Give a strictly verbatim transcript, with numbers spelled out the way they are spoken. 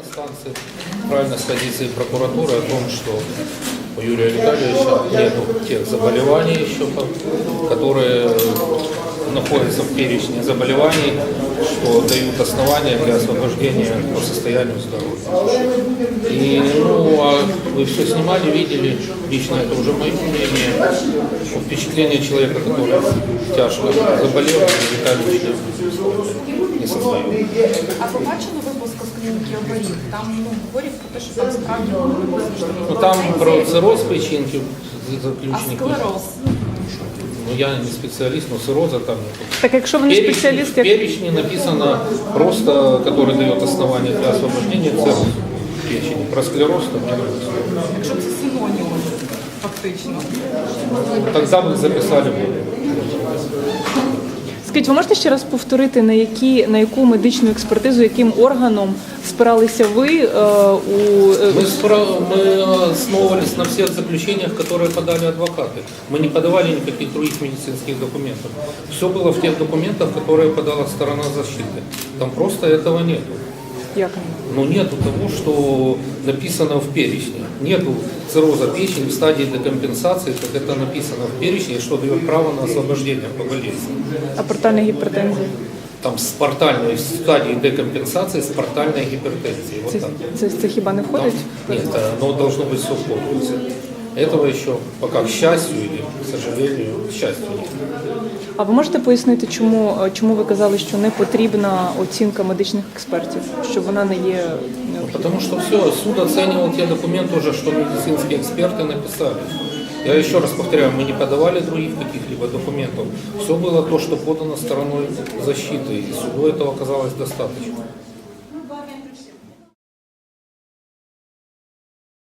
инстанции, правильно с позиции прокуратуры о том, что у Юрия Витальевича нет тех заболеваний еще, которые находятся в перечне заболеваний, что дают основания для освобождения по состоянию здоровья. И, ну, а вы все снимали, видели, лично это уже мое мнение, впечатление человека, который тяжко заболел, Витальевич не создает. А побачили випуск з клініки оборів? Там ну, говорять про те, що там справді було Ну, там про цирроз печінки А заключені. склероз? Ну, я не спеціаліст, но цирроза там нет. Так якщо ви не Перечни- спеціаліст, В як перечне написано просто, который дает основание для освобождения цирроза печени. Про склероз там не написано. Якщо це синоніми, фактично. Тогда бы записали бы. скажіть, ви можете ще раз повторити, на які на яку медичну експертизу, яким органом спиралися ви е, у е, Мы, спра- мы основывались на всех заключениях, которые подали адвокаты. Мы не подавали никаких других медицинских документов. Все было в тех документах, которые подала сторона защиты. Там просто этого нет. як? Но нету того, что написано в перечне. Нету цирроза печени в стадии декомпенсации, как это написано в перечне, что дает право на освобождение по болезни. А портальна гіпертензія? Там с портальной в стадии декомпенсации с портальной гипертензией. Вот Це, так. це, це хіба не Там- входить? нет, оно должно быть все в комплексе. Этого еще пока, к счастью или к сожалению, к счастью, нет. А ви можете пояснити, чому, е, чому ви казали, що не потрібна оцінка медичних експертів, що вона не є необхідною? Потому что все, суд оценивал те документы уже, что медицинские эксперты написали. Я еще раз повторяю, мы не подавали других каких-либо документов. Все было то, что подано стороной защиты, и суду этого оказалось достаточно.